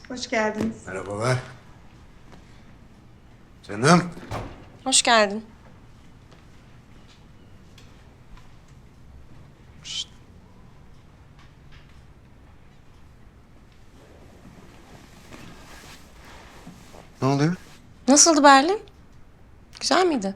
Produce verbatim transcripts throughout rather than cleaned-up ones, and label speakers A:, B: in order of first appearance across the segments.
A: Hoş geldiniz.
B: Merhabalar. Canım.
C: Hoş geldin.
B: Şşt. Ne oluyor?
C: Nasıldı Berlin? Güzel miydi?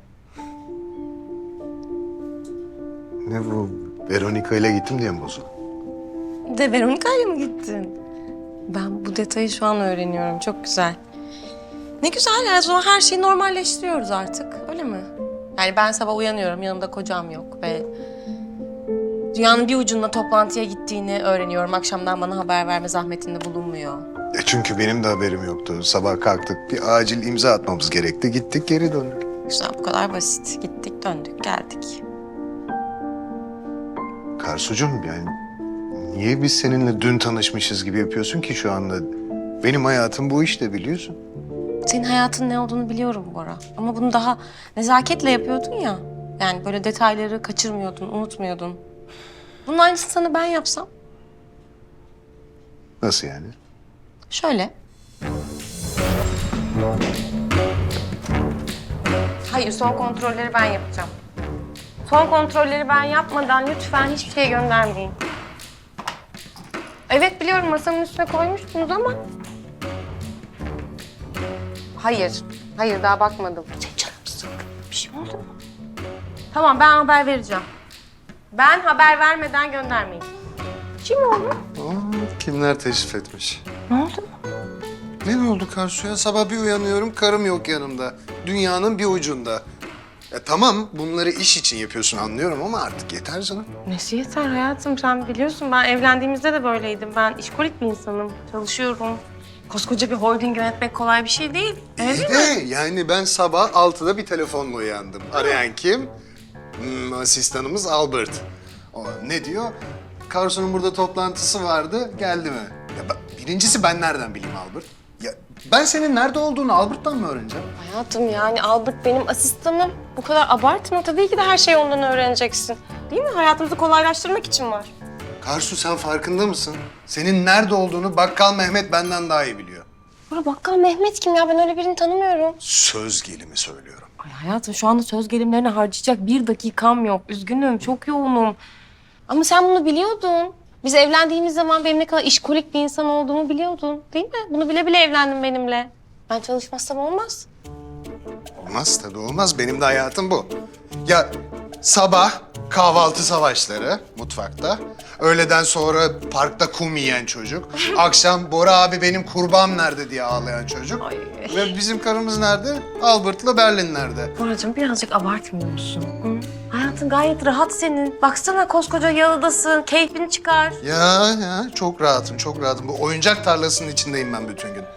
B: Ne bu? Veronica ile gittim diye mi bozuldu?
C: De Veronica'yla mı gittin? Ben bu detayı şu an öğreniyorum. Çok güzel. Ne güzel ya. O zaman her şeyi normalleştiriyoruz artık. Öyle mi? Yani ben sabah uyanıyorum. Yanımda kocam yok ve dünyanın bir ucunda toplantıya gittiğini öğreniyorum. Akşamdan bana haber verme zahmetinde bulunmuyor.
B: E çünkü benim de haberim yoktu. Sabah kalktık, bir acil imza atmamız gerekti. Gittik, geri döndük.
C: Güzel, bu kadar basit. Gittik, döndük, geldik.
B: Karsucuğum yani niye biz seninle dün tanışmışız gibi yapıyorsun ki şu anda? Benim hayatım bu işte biliyorsun.
C: Senin hayatın ne olduğunu biliyorum Bora. Ama bunu daha nezaketle yapıyordun ya. Yani böyle detayları kaçırmıyordun, unutmuyordun. Bunun aynısını sana ben yapsam.
B: Nasıl yani?
C: Şöyle. Hayır, son kontrolleri ben yapacağım. Son kontrolleri ben yapmadan lütfen hiçbir şey göndermeyin. Evet biliyorum, masanın üstüne koymuştunuz ama... Hayır, hayır daha bakmadım. Sen canım sık. Bir şey oldu mu? Tamam, ben haber vereceğim. Ben haber vermeden göndermeyin. Kim oldu?
B: Aa, kimler teşrif etmiş?
C: Ne oldu?
B: Ne oldu Karsu'ya? Sabah bir uyanıyorum, karım yok yanımda. Dünyanın bir ucunda. Ya tamam, bunları iş için yapıyorsun anlıyorum ama artık yeter canım.
C: Nesi yeter hayatım, sen biliyorsun ben evlendiğimizde de böyleydim. Ben işkolik bir insanım, çalışıyorum. Koskoca bir holding yönetmek kolay bir şey değil. Öyle
B: İyi
C: değil mi?
B: de yani ben sabah altıda bir telefonla uyandım. Arayan kim? Hmm, asistanımız Albert. O ne diyor? Karsu'nun burada toplantısı vardı, geldi mi? Ya ben- birincisi ben nereden bileyim Albert? Ya ben senin nerede olduğunu Albert'tan mı öğreneceğim?
C: Hayatım yani Albert benim asistanım. Bu kadar abartma. Tabii ki de her şeyi ondan öğreneceksin. Değil mi? Hayatımızı kolaylaştırmak için var.
B: Karsu sen farkında mısın? Senin nerede olduğunu Bakkal Mehmet benden daha iyi biliyor.
C: Bura bakkal Mehmet kim ya? Ben öyle birini tanımıyorum.
B: Söz gelimi söylüyorum.
C: Ay hayatım şu anda söz gelimlerini harcayacak bir dakikam yok. Üzgünüm, çok yoğunum. Ama sen bunu biliyordun. Biz evlendiğimiz zaman benim ne kadar işkolik bir insan olduğumu biliyordun. Değil mi? Bunu bile bile evlendin benimle. Ben çalışmazsam olmaz.
B: Olmaz tabii olmaz. Benim de hayatım bu. Ya sabah kahvaltı savaşları mutfakta. Öğleden sonra parkta kum yiyen çocuk. Akşam Bora abi benim kurbağam nerede diye ağlayan çocuk.
C: Ay.
B: Ve bizim karımız nerede? Albert'la Berlin nerede?
C: Boracığım birazcık abartmıyor musun? Hı? Hayatın gayet rahat senin. Baksana koskoca yalıdasın. Keyfini çıkar.
B: Ya ya çok rahatım çok rahatım. Bu oyuncak tarlasının içindeyim ben bütün gün.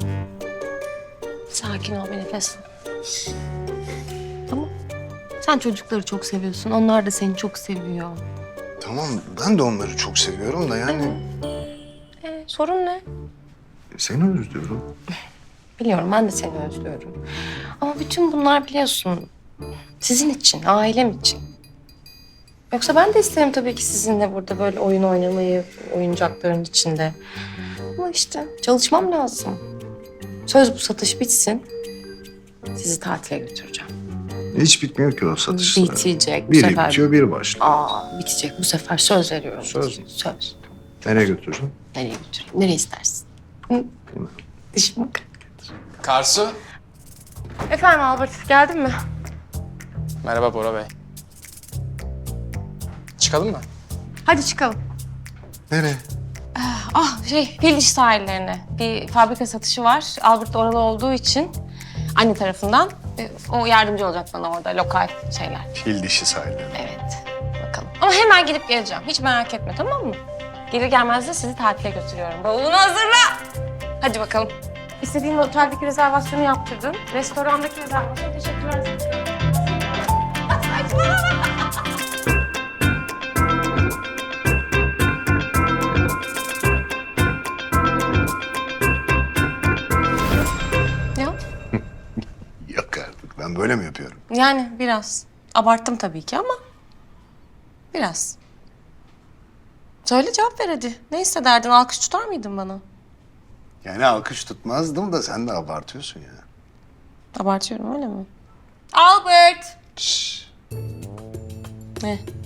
C: Sakin ol bir nefes al. Tamam. Sen çocukları çok seviyorsun. Onlar da seni çok seviyor.
B: Tamam ben de onları çok seviyorum da yani
C: Ee, sorun ne?
B: seni özlüyorum.
C: Biliyorum ben de seni özlüyorum. Ama bütün bunlar biliyorsun sizin için, ailem için. Yoksa ben de isterim tabii ki sizinle burada böyle oyun oynamayı, oyuncakların içinde. Ama işte çalışmam lazım. Söz bu satış bitsin. Sizi tatile götüreceğim.
B: Hiç bitmiyor ki o satışlar.
C: Bitecek bu
B: Biri
C: sefer.
B: bitiyor biri başlıyor.
C: Aa, bitecek bu sefer söz veriyorum.
B: Söz mü?
C: Söz.
B: Nereye götüreceğim?
C: Nereye götüreyim? Nereye istersin? Hı? Dişim bak.
D: Karsu.
C: Efendim Albert, geldin mi?
D: Merhaba Bora Bey. Çıkalım mı?
C: Hadi çıkalım.
B: Nereye?
C: Ah şey, Fil sahillerine. Bir fabrika satışı var. Albert oralı olduğu için anne tarafından. e, O yardımcı olacak bana orada lokal şeyler.
B: Fil dişi sahilleri.
C: Evet, bakalım. Ama hemen gidip geleceğim. Hiç merak etme tamam mı? Gelir gelmez de sizi tatile götürüyorum. Bavulunu hazırla. Hadi bakalım. İstediğin oteldeki rezervasyonu yaptırdın. Restorandaki rezervasyonu teşekkürler. Ya
B: Yok artık ben böyle mi yapıyorum?
C: yani biraz. Abarttım tabii ki ama biraz. Söyle cevap ver hadi. Ne hissederdin? Alkış tutar mıydın bana?
B: Yani alkış tutmazdım da sen de abartıyorsun ya.
C: Abartıyorum öyle mi? Albert!
B: Şşş.
C: Ne?